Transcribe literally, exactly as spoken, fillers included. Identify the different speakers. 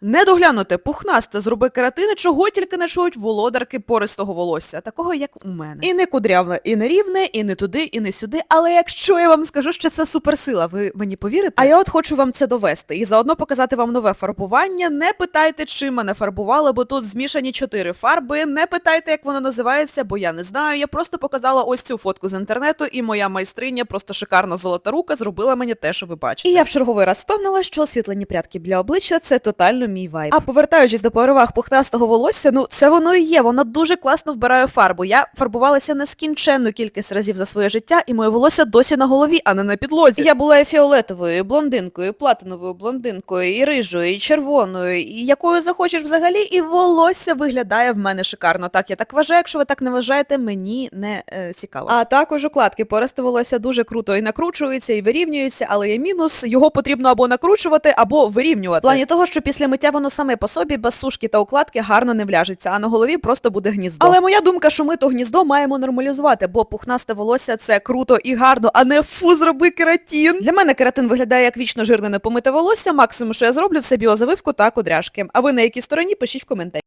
Speaker 1: Не доглянути, пухнасте, зроби кератини, чого тільки не чують володарки пористого волосся, такого як у мене. І не кудряве, і не рівне, і не туди, і не сюди, але якщо я вам скажу, що це суперсила, ви мені повірите? А я от хочу вам це довести і заодно показати вам нове фарбування. Не питайте, чим мене фарбували, бо тут змішані чотири фарби, не питайте, як воно називається, бо я не знаю, я просто показала ось цю фотку з інтернету, і моя майстриня, просто шикарно золота рука, зробила мені те, що ви бачите. І я в черговий раз впевнила, що освітлені прядки для обличчя – це тотально мій вайб. А повертаючись до переваг пухнастого волосся, ну це воно і є, воно дуже класно вбирає фарбу. Я фарбувалася нескінченну кількість разів за своє життя, і моє волосся досі на голові, а не на підлозі. Я була і фіолетовою, і блондинкою, і платиновою блондинкою, і рижою, і червоною, і якою захочеш взагалі, і волосся виглядає в мене шикарно. Так, я так вважаю, якщо ви так не вважаєте, мені не е, цікаво. А також укладки пористе волосся дуже круто і накручується, і вирівнюється, але є мінус, його потрібно або накручувати, або вирівнювати. В плані того, що після миття воно саме по собі, без сушки та укладки, гарно не вляжеться, а на голові просто буде гніздо. Але моя думка, що ми то гніздо маємо нормалізувати, бо пухнасте волосся – це круто і гарно, а не фу, зроби кератин. Для мене кератин виглядає як вічно жирне непомите волосся, максимум, що я зроблю, це біозавивку та кудряшки. А ви на якій стороні, пишіть в коментарі.